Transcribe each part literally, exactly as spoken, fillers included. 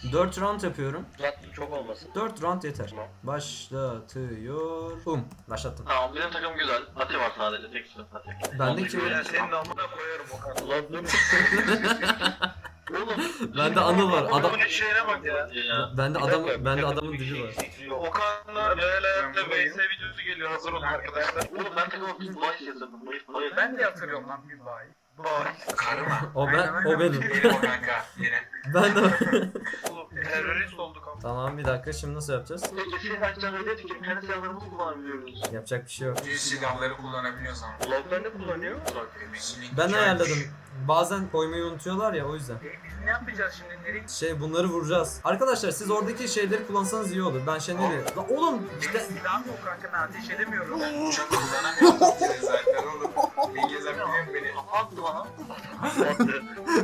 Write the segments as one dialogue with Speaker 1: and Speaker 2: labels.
Speaker 1: dört round yapıyorum.
Speaker 2: Uzatma çok olmasın.
Speaker 1: dört round yeter.
Speaker 2: Tamam.
Speaker 1: Başlatıyorum. Başlattım.
Speaker 2: Tamam bizim takım güzel. Ati var sadece tek sürü Ati.
Speaker 1: Bendeki
Speaker 2: Ben senin amına koyarım Okan. Ulan dur. Oğlum.
Speaker 1: bende Anıl var. Adam
Speaker 2: Adamın şeyine bak ya.
Speaker 1: bende adam bende adamın dili var.
Speaker 2: Okan'la Real Hayat'ta V S videosu geliyor. Hazır olun arkadaşlar. Oğlum ben takıma bir bahis yazdım. Bahis.
Speaker 3: Ben de hatırlıyorum lan bir bay.
Speaker 2: Bahis.
Speaker 4: Karma.
Speaker 1: O ben o benim.
Speaker 4: Benim o kanka. Yine.
Speaker 1: Ben de
Speaker 2: Oğlum terörist olduk ama.
Speaker 1: Tamam bir dakika şimdi nasıl yapacağız?
Speaker 2: Peki siz açacağım öyle tükürüm. Kendi silahlarımızı kullanabiliyoruz.
Speaker 1: Yapacak bir şey yok.
Speaker 4: Düz silahları kullanabiliyoruz ama.
Speaker 2: Log'lar ne kullanıyor?
Speaker 1: Ben ayarladım. Bazen koymayı unutuyorlar ya o yüzden.
Speaker 3: E, biz ne yapacağız şimdi? Nereye
Speaker 1: Şey bunları vuracağız. Arkadaşlar siz oradaki şeyleri kullansanız iyi olur. Ben şey nereye? La oğlum
Speaker 3: işte
Speaker 1: işte
Speaker 3: silahım yok kanka, ben ateş edemiyorum.
Speaker 4: Uçak kullanamıyoruz zaten oğlum. Ben gezebiliyorum beni.
Speaker 2: Kapattı bana. Kapattı.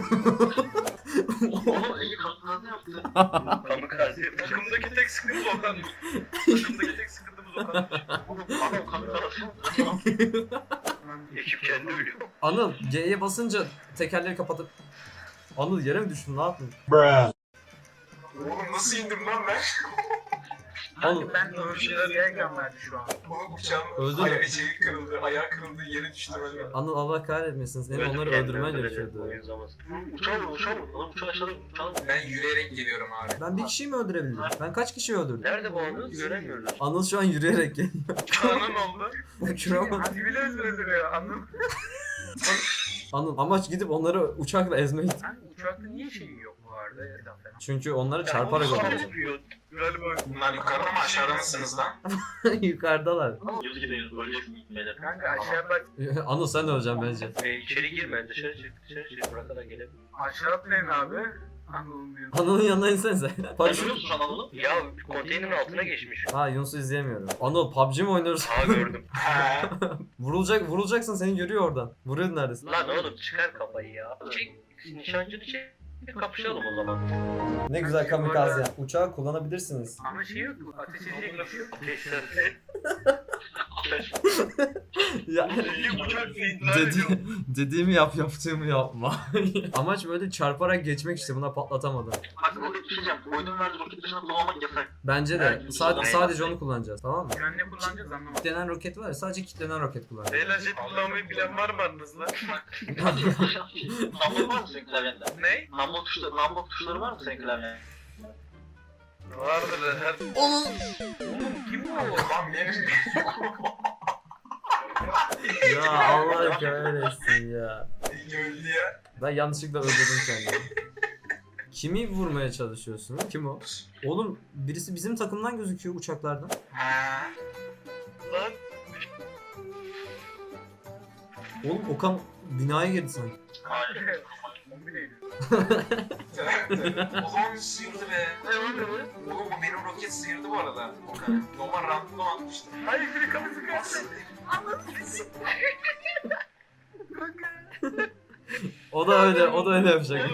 Speaker 2: Oğlum Ege kanıtlarını yaptı. Kamikaze.
Speaker 3: Takımdaki tek sıkıntı Okan. Takımdaki tek sıkıntımız Okan.
Speaker 2: Oğlum adam kamikaze yaptı. Ekip kendi ölüyor.
Speaker 1: Anıl G'ye basınca tekerleri kapatıp Anıl yere mi düştün ne yaptın?
Speaker 4: Oğlum nasıl indim lan ben?
Speaker 1: Anıl
Speaker 3: Kanka ben öldüğüm yerken verdi şu an.
Speaker 4: Oğlum uçağım
Speaker 1: Öldü mü?
Speaker 4: ayağı şeyi kırıldı. Ayağı kırıldı yere düştüm öyle.
Speaker 1: Anıl Allah kahretmesin seni onları öldürmen gerekiyordu.
Speaker 2: Uçağı vur, uçağı vur. Oğlum uçağı aşağıda uçağı vur.
Speaker 4: Ben yürüyerek geliyorum abi.
Speaker 1: Ben bir kişiyi mi öldürebildim? Ben kaç kişi öldürdüm?
Speaker 2: Nerede bu anı? Göremiyoruz.
Speaker 1: Anıl şu an yürüyerek geliyor.
Speaker 3: Kanın oldu.
Speaker 1: Uçuramadım.
Speaker 3: Hadi bile öldürüyor anladın.
Speaker 1: Anıl amaç gidip onları uçakla ezmek.
Speaker 3: Sen uçakta niye şeyi yok bu arada? Erdem falan.
Speaker 1: Çünkü onları çarparak öldüreceğim.
Speaker 2: Galiba.
Speaker 4: Bunlar yukarıda mı aşağıda mısınız lan?
Speaker 1: Yukarıdalar.
Speaker 2: Yüz gideyiz, öleceksin gitmeden.
Speaker 3: Kanka aşağı bak,
Speaker 1: Anıl sen de öleceksin bence.
Speaker 2: E, içeri girme, dışarı çık, dışarı çık. Buraya kadar gelelim.
Speaker 3: aşağı atlayın abi. Anadolu'nun diyor.
Speaker 1: Anıl'ın yanına insenize. Paraşüt.
Speaker 2: Görüyor musun Anadolu? Ya konteynerin altına geçmiş.
Speaker 1: Ha Yunus'u izleyemiyorum. Anıl P U B G mi oynuyoruz?
Speaker 2: Aa gördüm.
Speaker 4: He.
Speaker 1: Vurulacak, vurulacaksın seni görüyor oradan. Vuruyor neredesin?
Speaker 2: Lan oğlum çıkar kafayı ya. Çek, nişancını çek. Kapışalım o zaman.
Speaker 1: Ne güzel kamikaze. Uçağı kullanabilirsiniz.
Speaker 3: Ama şey yok, ateş edecek bir şey yok.
Speaker 2: Ateşler.
Speaker 1: Ya
Speaker 2: uçak
Speaker 1: dedi, dediğimi yap, yaptığımı yapma. Amaç böyle çarparak geçmek işte buna patlatamadım.
Speaker 2: Bak roket düşeceğim. Oyunun verdiği roket dışına kullanmak yasak.
Speaker 1: Bence de
Speaker 2: Evet,
Speaker 1: sadece,
Speaker 2: aynen.
Speaker 1: sadece onu kullanacağız tamam mı?
Speaker 3: Yani ne kullanacağız anlamadım.
Speaker 1: Kitlenen roket var ya sadece kitlenen roket kullanacağız.
Speaker 3: Beyler jet kullanmayı bilen var mı aranızda?
Speaker 2: Number var mı senin klavyende?
Speaker 3: Ne?
Speaker 2: Number tuşları, number tuşları var mı senin klavyende?
Speaker 3: Vardır her...
Speaker 1: Onun
Speaker 3: Kim bu?
Speaker 4: Lan benim.
Speaker 1: ya Allah kahretsin ya.
Speaker 4: Öldü ya.
Speaker 1: Ben yanlışlıkla öldürdüm kendimi. Kimi vurmaya çalışıyorsun? Kim o? Oğlum birisi bizim takımdan gözüküyor uçaklardan.
Speaker 4: Ha.
Speaker 2: Lan.
Speaker 1: Oğlum Okan binaya girdi sanki.
Speaker 2: Hayır.
Speaker 3: Bombi değil.
Speaker 4: O zaman sıyırdı be.
Speaker 2: Ne oldu bu?
Speaker 4: Oğlum bu benim roket sıyırdı bu arada. Okan. Normal random atmıştım.
Speaker 3: Hayır biri kafası kaçtı.
Speaker 1: O da öyle, o da öyle yapacak.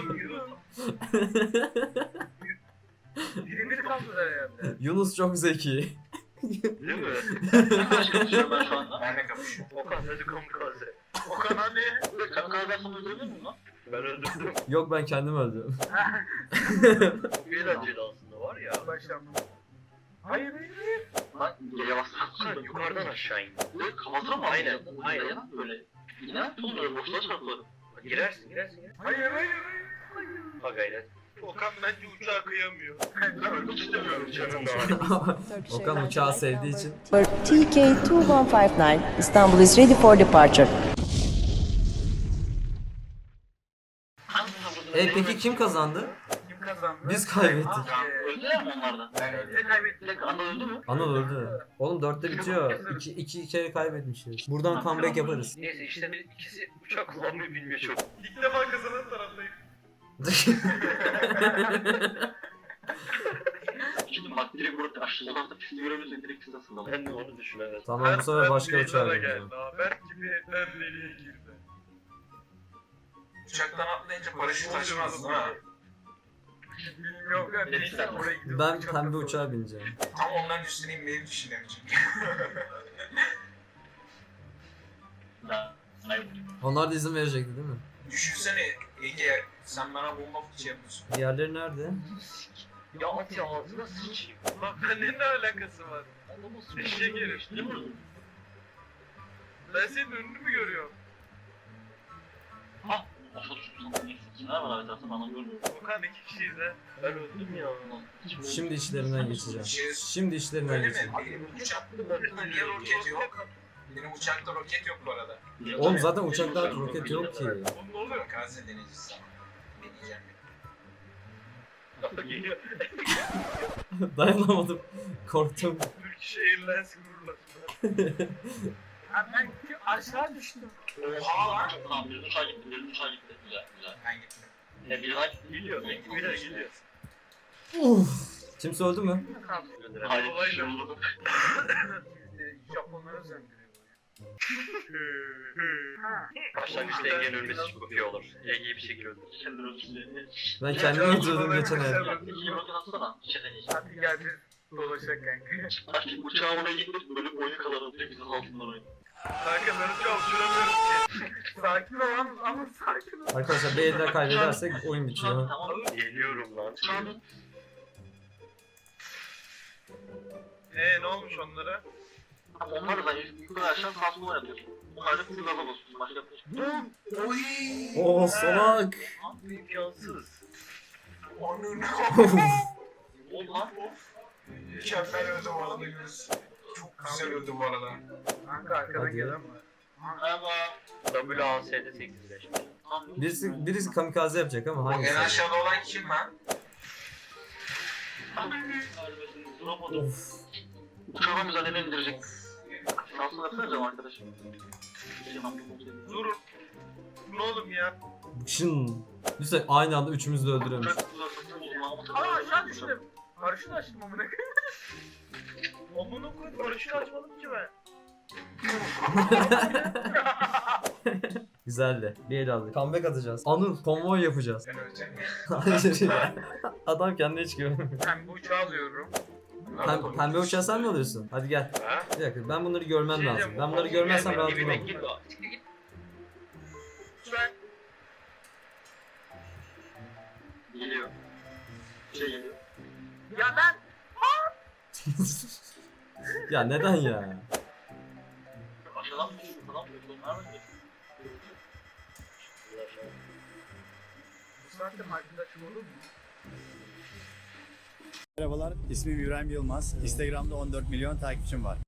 Speaker 3: Biri biri kaldılar herhalde.
Speaker 1: Yunus çok zeki.
Speaker 2: Değil mi? Ben kapışıyorum ben şu anda.
Speaker 4: Ben de kapışıyorum.
Speaker 2: Okan hadi kamikaze.
Speaker 3: Okan hani?
Speaker 2: Kamikaze yapsam öldürülür mü lan? Ben öldürdüm.
Speaker 1: Yok ben kendim öldüm.
Speaker 2: Eğlenceli aslında var ya.
Speaker 3: Başlandı. Hayır hayır hayır.
Speaker 2: Lan gece bastım. Yukarıdan aşağı in. Böyle kafasına mı? Aynen. Aynen. Böyle. Yine oğlum böyle boşluğa çarpılır. Girersin girersin girersin.
Speaker 3: Hayır hayır hayır.
Speaker 2: Ha gayret.
Speaker 3: Okan bence uçağa kıyamıyor.
Speaker 2: Ben ölmek istemiyorum canım da.
Speaker 1: Okan uçağı sevdiği için.
Speaker 5: T K two one five nine, Istanbul is ready for departure.
Speaker 1: E peki kim kazandı?
Speaker 3: Kim kazandı?
Speaker 1: Biz kaybettik.
Speaker 2: Öldüler mi onlardan?
Speaker 4: Ben öldüm.
Speaker 3: Ne kaybettik?
Speaker 2: Tek anda öldü mü?
Speaker 1: Anıl öldü. Oğlum dörtte bitiyor. İki, iki kere kaybetmişiz. Buradan comeback yaparız.
Speaker 2: Neyse işte bir- ikisi uçak kullanmayı bilmiyor çok.
Speaker 3: İlk defa kazanan taraftayım.
Speaker 2: Şimdi bak direkt burada aşağıdan da pisti görebilirsin direkt siz aslında. Ben de onu düşünüyorum.
Speaker 1: Tamam bu sefer başka uçağa
Speaker 3: geldi.
Speaker 1: bineceğim.
Speaker 3: Haber gibi etler deliğe girdi.
Speaker 4: Uçaktan atlayınca paraşüt açmaz değil mi?
Speaker 3: Bilmiyorum ya. Neyse oraya gidiyoruz.
Speaker 1: Ben
Speaker 3: Uçakta
Speaker 1: pembe
Speaker 3: sonra.
Speaker 1: uçağa bineceğim.
Speaker 4: Tam onların üstüne inmeyi düşünemeyeceğim.
Speaker 1: Onlar da izin verecekti değil mi?
Speaker 4: Düşünsene Ege sen bana bomba fıçı yapıyorsun.
Speaker 1: Diğerleri nerede?
Speaker 2: Ya at ya ağzına sıçayım.
Speaker 3: Bak bende ne alakası var? Eşeğe gelir.
Speaker 2: Ne vurdun?
Speaker 3: Ben senin önünü mü görüyorum?
Speaker 2: Ha! Aşağı düştüm sana. Kimler var abi tarafta bana görmüyor.
Speaker 3: Okan iki kişiyiz ha.
Speaker 2: Ben öldüm ya.
Speaker 1: Şimdi işlerinden geçeceğim. Şimdi işlerinden
Speaker 4: Öyle mi?
Speaker 1: geçeceğim.
Speaker 4: Benim uçakta niye roket yok? Benim uçakta roket yok bu arada.
Speaker 1: Oğlum zaten uçakta roket yok ki.
Speaker 3: Oğlum ne oluyor?
Speaker 4: Kamikaze deneyicisi. Deneyeceğim.
Speaker 2: Geliyor.
Speaker 1: Dayanamadım. Korktum.
Speaker 3: Turkish Airlines gururlar.
Speaker 6: Ben aşağı düştüm.
Speaker 4: Oha lan!
Speaker 2: Tamam bir uçağa gitti, bir uçağa gitti. Güzel, güzel.
Speaker 4: Ben gittim.
Speaker 2: Ya bir daha geliyor, bir daha geliyor.
Speaker 1: Uf. Kimse öldü mü?
Speaker 2: Hayır, bir şey oldu.
Speaker 6: Japonlara zöndürüyor.
Speaker 2: Başlangıçta Ege'nin ölmesi çok iyi olur. Ege'yi bir şekilde öldürür. Kendini öldürsün.
Speaker 1: Ben kendimi öldürdüm geçen ay.
Speaker 2: İyi bakın atsana. Bir şey deneyeceğim.
Speaker 6: Hadi gel biz dolaşak kanka.
Speaker 2: Artık uçağa oraya gittik, böyle boyu kadar atıyor, biz altından oynuyor.
Speaker 3: Kanka ben uçağı uçuramıyorum ki.
Speaker 6: Sakin ol ama, ama sakin ol.
Speaker 1: Arkadaşlar bir eller kaybedersek oyun bitiyor.
Speaker 2: Tamam, geliyorum lan.
Speaker 3: Eee ne olmuş onlara?
Speaker 2: Onlar da yukarı aşağı sağ sola yapıyorsun. Onlar da full gaza basıyorsun, başka bir şey.
Speaker 4: Oy!
Speaker 1: Oo salak.
Speaker 2: İmkansız.
Speaker 4: Onun
Speaker 2: Oldu lan.
Speaker 4: Mükemmel öldü bu arada Yunus. Çok güzel öldü bu arada.
Speaker 6: Kanka arkadan
Speaker 1: Hadi.
Speaker 6: gelen var.
Speaker 2: Merhaba. W A S'de seksen beş.
Speaker 1: Birisi, birisi kamikaze yapacak ama
Speaker 4: O en
Speaker 1: hangisi?
Speaker 4: aşağıda olan kim lan?
Speaker 2: Duramadım.
Speaker 1: Of.
Speaker 2: Uçağa müzadele indirecek. Şansını yapsanıza arkadaşım.
Speaker 3: Durun. Ne oğlum ya?
Speaker 1: Şın. Lütfen aynı anda üçümüzü de öldürüyormuş.
Speaker 6: Aa aşağı düştüm. Paraşüt açtım amına koyayım.
Speaker 3: Amına koyayım paraşüt açmadım ki ben.
Speaker 1: Güzeldi. Bir el aldık. Comeback atacağız. Anıl konvoy yapacağız.
Speaker 4: Ben öleceğim.
Speaker 1: Hayır ya. Adam kendine hiç güvenmiyor.
Speaker 6: Ben bu uçağı alıyorum.
Speaker 1: Pem, pembe uçağı sen mi alıyorsun? Hadi gel.
Speaker 2: Ha?
Speaker 1: Bir dakika ben bunları görmem
Speaker 3: Şey
Speaker 1: lazım.
Speaker 3: diyeceğim,
Speaker 1: Ben bunları
Speaker 3: o-
Speaker 1: görmezsem rahat
Speaker 2: Dibime
Speaker 1: duramam.
Speaker 2: git o.
Speaker 3: Ben
Speaker 2: Geliyor. Şey geliyor.
Speaker 6: Ya ben
Speaker 1: Ya neden ya?
Speaker 2: Aşağıdan mı düşüyor? Falan mı? Onlar mı?
Speaker 6: bu saatte arkadaşım olur mu?
Speaker 7: Merhabalar, ismim İbrahim Yılmaz. Instagram'da on dört milyon takipçim var.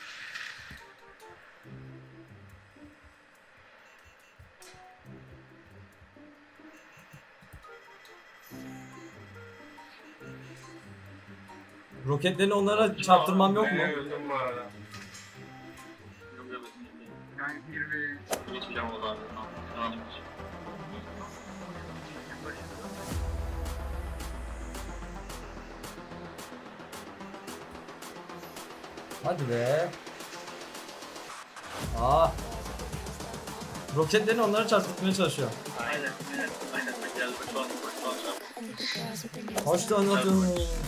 Speaker 1: Roketlerini onlara çarptırmam yok mu?
Speaker 4: Ben öldüm bu arada.
Speaker 2: Yok yok.
Speaker 6: Yani bir ve üç.
Speaker 2: Geçmeyeceğim o zaman. Tamam. Devam edeceğim.
Speaker 1: Hadi be. Aa. Roketlerini onlara çarptırmaya çalışıyor.
Speaker 2: Aynen. Aynen. Aynen. Ben geldim. Şu an şu an şu an.
Speaker 1: Kaç tane atıyorsun?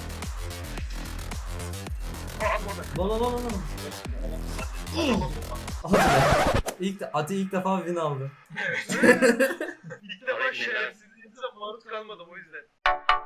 Speaker 1: Lan lan lan lan. Hadi be. İlk, Ati ilk defa win aldı.
Speaker 3: ilk defa
Speaker 2: Aynen.
Speaker 3: şerefsizliğinize maruz kalmadım o yüzden.